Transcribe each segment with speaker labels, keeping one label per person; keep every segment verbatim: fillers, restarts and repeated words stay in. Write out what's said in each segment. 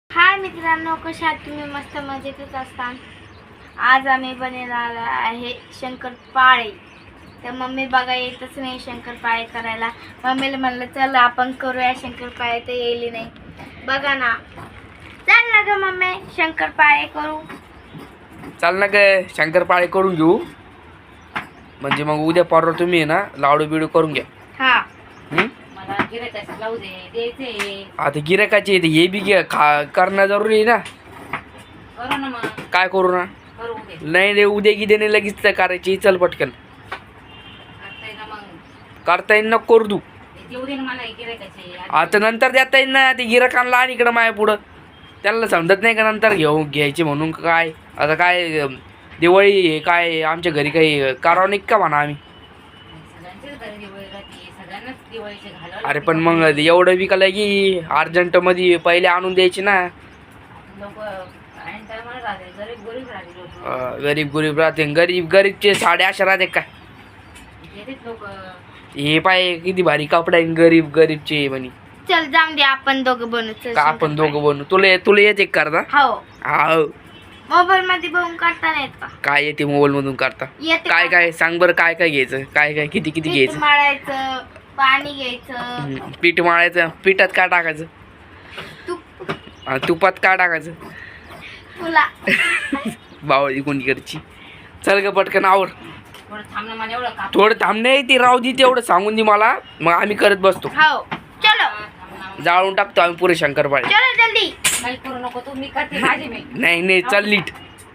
Speaker 1: हाय मित्रांनो, कशा आहात तुम्ही? मस्त मजेतच असता। आज आम्ही बनवणार आहे शंकरपाळे। तर मम्मी बघा येतच नाही शंकरपाळे करायला। मम्मीला म्हणलं चल आपण करूया शंकरपाळे, तर येईल नाही बघा ना। चल ना ग मम्मी शंकरपाळे करू।
Speaker 2: चाल ना ग शंकरपाळे करून घेऊ, म्हणजे मग उद्या परवा तुम्ही ना लाडू बिडू करून घ्या।
Speaker 1: हा
Speaker 2: हम्म?
Speaker 3: मला गिरायचं लावू दे द्यायचे
Speaker 2: आता गिरायकाचे येते हे बी घ्या खा करणं जरुरी आहे ना।
Speaker 3: करू ना मग
Speaker 2: काय करू ना?
Speaker 3: करू दे
Speaker 2: नाही रे उद्या गी देणे लगेच तर करायची, चल पटकन
Speaker 3: करता येईल ना मग
Speaker 2: करता येईल, नको करू तू
Speaker 3: देऊ दे ना मला गिरायचे
Speaker 2: आता नंतर देता येईल ना। ते गिराकांना आणि इकडं माया पुढं त्यांना समजत नाही का नंतर घेऊ घ्यायचे म्हणून काय। आता काय दिवाळी हे काय आमच्या घरी काही करावं नाही का म्हणा आम्ही।
Speaker 3: सगळ्यांचेच घरी दिवाळी राहते, सगळ्यांनाच दिवाळीचे घालावं
Speaker 2: अरे पण मग एवढं विकायला की अर्जंटमध्ये पहिले आणून द्यायचे ना।
Speaker 3: लोक आणि टायमाला राहते, गरीब गरीब राहते लोक,
Speaker 2: अं, गरीब गरीब राहते, गरीब गरीबचे साडे अशा राहते काय।
Speaker 3: घेतात लोक।
Speaker 2: हे पाय किती भारी कपडा आहे गरीब गरीबचे म्हणे।
Speaker 1: चल जाऊन दे आपण दोघं बनवू। चल
Speaker 2: का आपण दोघं बनू? तुला तुला येते का करता?
Speaker 1: हो,
Speaker 2: हा
Speaker 1: मोबाईल मध्ये बघून करता नाही येत का?
Speaker 2: काय येते मोबाईल मधून करता?
Speaker 1: येते
Speaker 2: काय
Speaker 1: का?
Speaker 2: काय सांग बरं, काय काय घ्यायचं, काय काय किती किती
Speaker 1: पीठ
Speaker 2: घ्यायचं?
Speaker 1: मळायचं, पाणी घ्यायचं,
Speaker 2: हम्म, पीठ मळायचं, पिठात काय टाकायचं?
Speaker 1: तूप
Speaker 2: हा, तुपात काय टाकायचं?
Speaker 1: तुला
Speaker 2: बावळी कोणीकडची। चल ग पटकन आवर।
Speaker 3: थोडं थांब ना, मला एवढं काप
Speaker 2: थोडं थांब, नाही ती राहू दे तेवढं सांगून दे मला, मग आम्ही करत बसतो।
Speaker 1: हो चलो
Speaker 3: थांब ना,
Speaker 2: जाळून टाकतो आम्ही पुरे शंकरपाळे।
Speaker 1: चलो जल्दी।
Speaker 3: काही करू नको तू, मी करते माझे मी
Speaker 2: नाही नाही चल नीट।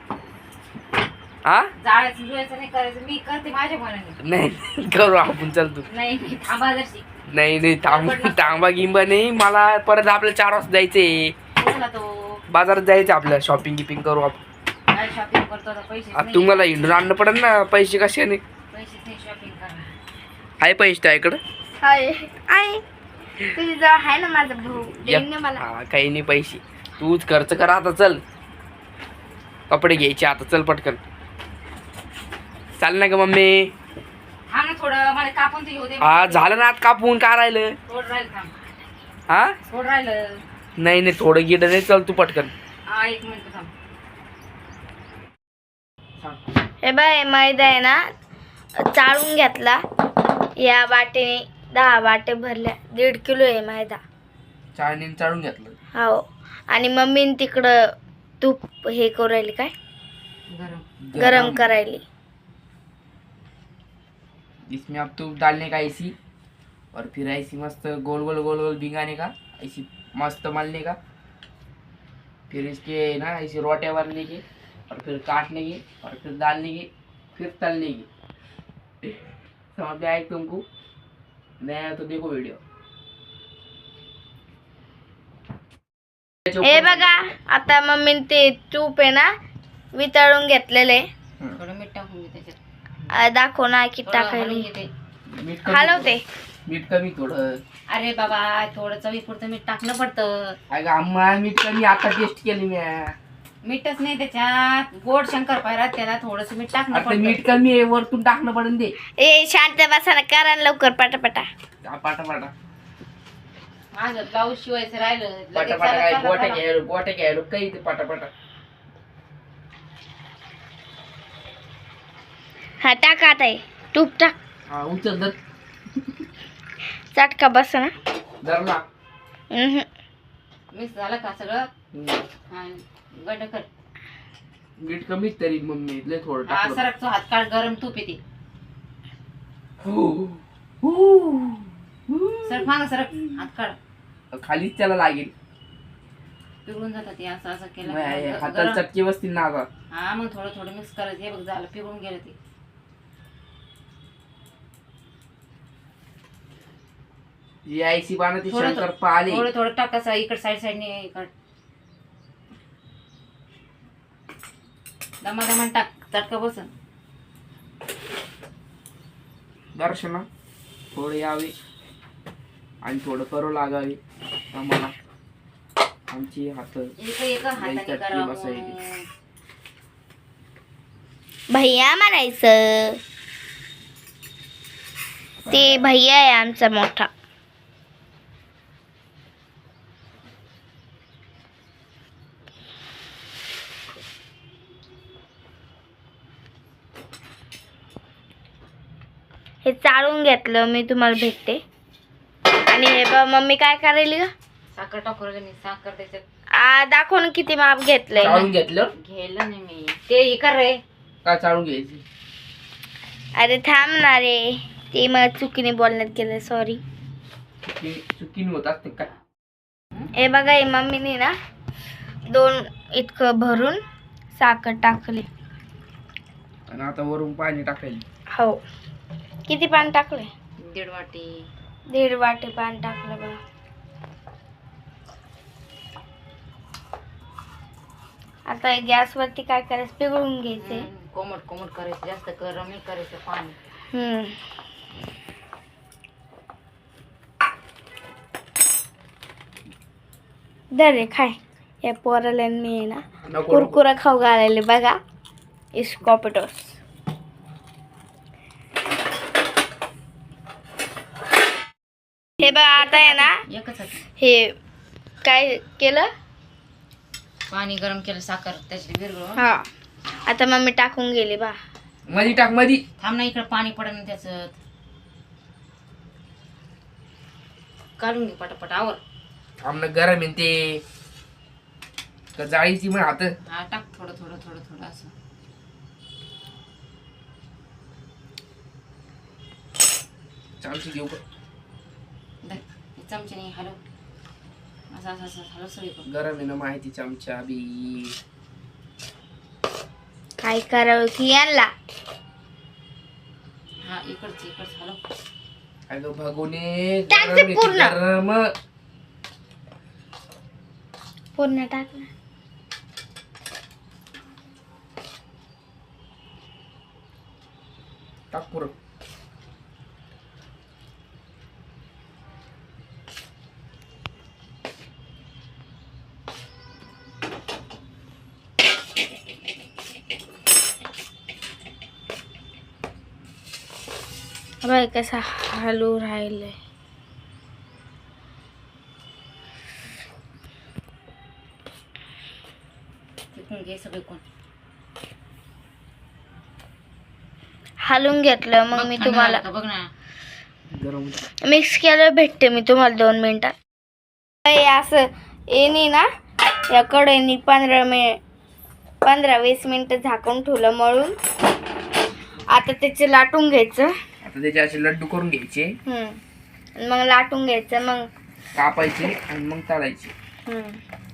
Speaker 2: हा
Speaker 3: जाळायचं जुळायचं नाही करायचं, मी करते माझ्या मनाने।
Speaker 2: नाही करू आपण, चल तू।
Speaker 3: नाही मी थांबा जरशी
Speaker 2: नाही नाही थांब थांबा गिंबा नाही, मला परत आपल्याला चार वाजता जायचंय
Speaker 3: बोला तो
Speaker 2: बाजारात जायचं आपल्याला, शॉपिंग गिपिंग करू आपण।
Speaker 3: काय शॉपिंग करतो आता, पैसे
Speaker 2: आता तुम्हाला हिंडून आणणं पडेल ना, पैसे कशाने?
Speaker 3: पैसे नाही शॉपिंग करा।
Speaker 2: आहे पैसे त्याकडं?
Speaker 1: हाय आई, तुझी जवळ आहे ना माझा भाऊ, देईन ना मला।
Speaker 2: हा काही नाही पैसे, तूच खर्च कर आता। चल कपडे घ्यायचे आता, चल पटकन चाल ना ग मम्मी।
Speaker 3: हा ना, थोडं मला कापून तर घेऊ दे।
Speaker 2: हा झालं ना, आता कापून काय राहिलं?
Speaker 3: थोडं राहिलं, थांब
Speaker 2: हा
Speaker 3: थोडं राहिलं।
Speaker 2: नाही नाही थोडं गिड नाही, चल तू पटकन।
Speaker 3: हा एक मिनिट थांब।
Speaker 1: हे बाय मैदा आहे ना, चाळून घेतला या वाटेने, दहा वाटे भरल्या, दीड किलो आहे मैदा।
Speaker 2: चाळणीने चाळून घेतलं?
Speaker 1: हो, आणि मम्मीने तिकडं तूप हे करू राहिली, काय
Speaker 3: गरम
Speaker 1: गरम करायली।
Speaker 2: इसमें अब तूप डालने का ऐसी, और फिर ऐसी मस्त गोल गोल गोल गोल भिंगाने का, ऐसी मस्त मलने का, फिर इसके ना ऐसे रोटियां बनने की, और फिर काटने की, और फिर डालने की, फिर तलने की। समझ में आए तुमको? नहीं आया तो देखो वीडियो।
Speaker 1: हे बघा, आता मम्मीने ते तूप आहे ना वितळून घेतलेले,
Speaker 3: थोडं मीठ टाकून घे त्याच्यात,
Speaker 1: दाखव ना किती
Speaker 3: थोडं हलवून
Speaker 1: टाकायली।
Speaker 3: घे ते।
Speaker 2: मीठ कमी
Speaker 1: हलवते।
Speaker 2: मीठ कमी थोडं।
Speaker 3: अरे बाबा, थोडं चवीपुरतं मीठ टाकणं पडतं।
Speaker 2: अगं अम्मा मीठ कमी, आता टेस्ट केली मी।
Speaker 3: मीठच नाही त्याच्यात, गोड शंकर पायरात त्याला थोडस मीठ टाकणं
Speaker 2: आता
Speaker 3: पडतं।
Speaker 2: मीठ कमी आहे, वरतून टाकणं पडेल ते।
Speaker 1: ए शांत बसा ना, करा ना लवकर पटापटा।
Speaker 2: पाटा पाटा
Speaker 3: माझं ब्लाऊज शिवायचं राहिलं, लगेच
Speaker 2: पाटा पाटा
Speaker 3: चला,
Speaker 2: काय
Speaker 3: चला,
Speaker 2: गोट्या
Speaker 3: चला.
Speaker 2: घ्यायलो गोट्या घ्यायलो काही ते पाटा पाटा।
Speaker 1: हा टाका आता, हे तूप टाक,
Speaker 2: हा उचल धर,
Speaker 1: चटका बस ना।
Speaker 2: धरला।
Speaker 1: उम्हम.
Speaker 3: मिक्स झालं का सगळं?
Speaker 2: हम्म.
Speaker 3: हा, गड्ड कर।
Speaker 2: मीठ कमीच तरी मम्मी लय थोडं
Speaker 3: हा,
Speaker 2: टाकलं।
Speaker 3: सरक तो हात काढ, गरम तूप येते।
Speaker 2: हो. हो.
Speaker 3: सरक मागं सरक, हात काढ,
Speaker 2: खालीच त्याला लागेल,
Speaker 3: पिघळून जातात ते, असं असं केलं
Speaker 2: मग हे
Speaker 3: का
Speaker 2: हाताला
Speaker 3: गरम.
Speaker 2: चटके बसतील ना आता।
Speaker 3: हा, मग थोडं थोडं मिक्स करायचं। हे बघ झालं, पिघळून गेलं ते।
Speaker 2: जी आईसी बनवते
Speaker 3: थोडं
Speaker 2: शंकर पाले।
Speaker 3: थोडं थोडं टाकायचं, इकडे साईड साईडने इकड दमा दमान टाक, चटका बसन।
Speaker 2: दर्शना थोडे यावे आणि थोडं करू लागावे आम्हाला, आमची हात
Speaker 3: एक एक हाताने
Speaker 2: चटकी
Speaker 3: करावं।
Speaker 2: बसायली।
Speaker 1: भैया म्हणायचं, ते भैया आहे आमचा मोठा। हे चाळून घेतलं मी, तुम्हाला भेटते. आणि हे बघ मम्मी काय करायली ग,
Speaker 3: साखर टाकू राहिले मी, साखर त्याच्यात
Speaker 1: आ, दाखव ना किती माप घेतलंय.
Speaker 2: चाळून घेतलं
Speaker 3: घ्यायला नाही मी, ते हे कर रे.
Speaker 2: का चाळून घ्यायची?
Speaker 1: अरे थांब ना रे, ते मला चुकीने बोलण्यात गेलं, सॉरी.
Speaker 2: चुकीने होत असते काय?
Speaker 1: हे बघा हे मम्मीने ना दोन इतकं भरून साखर टाकली.
Speaker 2: आणि आता वरून पाणी टाकायला.
Speaker 1: हो, किती पाणी टाकले?
Speaker 3: दीड वाटी.
Speaker 1: दीड वाटी पाणी टाकलं बघा. आता हे गॅसवरती काय करायचं, पिघळून घ्यायचे.
Speaker 3: हम्म, कोमट कोमट करायचं, जास्त गरम नाही करायचं पाणी.
Speaker 1: हम्म दर रे खाय. या पोराला मी आहे ना
Speaker 2: नको नको.
Speaker 1: कुरकुरा खाऊ घालायले बघा, इस्कॉपिटोस. हे बघा आता आहे ना,
Speaker 3: एकच हात.
Speaker 1: हे काय केलं,
Speaker 3: पाणी गरम केलं, साखर त्याच्यात विरघळून.
Speaker 1: हा आता मम्मी टाकून गेली बा.
Speaker 2: मधी टाक मधी.
Speaker 3: थांब ना, इकडे पाणी पडेल ना त्याच्यात. काढून घे पटापट, आवर.
Speaker 2: आमनं गरम आहे ते का जाळीची मग हात.
Speaker 3: हा टाक थोडं थोडं थोडं थोडं असं.
Speaker 2: चालची घेऊ का?
Speaker 3: धर, हे चमच्याने हलव, असं असं असं हलव सगळीकडून.
Speaker 2: गरम आहे ना माहिती चमचा बी.
Speaker 1: काय करावं की यांना.
Speaker 3: हा इकडची इकडचं हलव.
Speaker 2: अगं भगवणे,
Speaker 1: टाक
Speaker 2: गरम
Speaker 1: ते
Speaker 2: आहे ती,
Speaker 1: पूर्ण.
Speaker 2: गरम.
Speaker 1: पूर्ण टाकलं.
Speaker 2: टाक पुरं.
Speaker 1: बाई कसा हलू राहिले.
Speaker 3: तिकडून घे सगळीकडून.
Speaker 1: हलून घेतलं मग
Speaker 3: बघ,
Speaker 1: मी
Speaker 3: थंड
Speaker 1: तुम्हाला
Speaker 3: झालं का बघ ना.
Speaker 2: गरम.
Speaker 1: मिक्स केलं, भेटते मी तुम्हाला दोन मिनिटात. हे असं येणी ना या कढईनी पंधरा मिनिट पंधरा वीस मिनिटं झाकून ठेवलं मळून. आता त्याचे लाटून घ्यायचं.
Speaker 2: आता त्याचे असे लड्डू करून घ्यायचे,
Speaker 1: हम्म. आणि मग लाटून घ्यायचं, मग
Speaker 2: कापायचे आणि मग तळायचे.
Speaker 1: हम्म.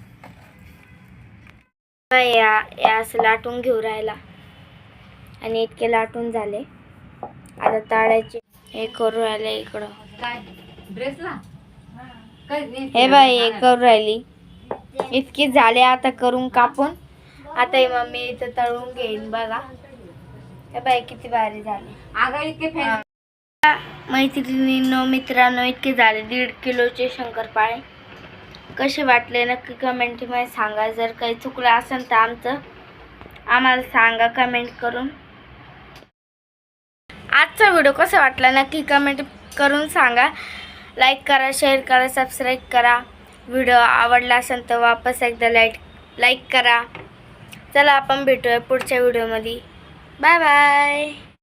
Speaker 1: या या असं लाटून घेऊ राहिला आणि इतके लाटून झाले. आता तळायचे. हे करू राहिले इकडं.
Speaker 3: काय ड्रेसला काय नाही.
Speaker 1: हे बाई हे करू राहिली. इतकी झाले आता करून कापून. आता हे मम्मी इथं तळून घेईन बघा. हे बाई किती भारी झाले.
Speaker 3: अगं इतके फॅन.
Speaker 1: मैत्रिणींनो मित्रांनो इतके झाले दीड किलोचे शंकरपाळे. कसे वाटले नक्की कमेंटमध्ये सांगा. जर काही चुकलं असेल तर आमचं आम्हाला सांगा कमेंट करून. आजचा व्हिडिओ कसा वाटला नक्की कमेंट करून सांगा. लाईक करा, शेअर करा, सबस्क्राईब करा. व्हिडिओ आवडला असेल तर वापस एकदा लाईक लाईक करा. चला आपण भेटूया पुढच्या व्हिडिओमध्ये. Bye bye.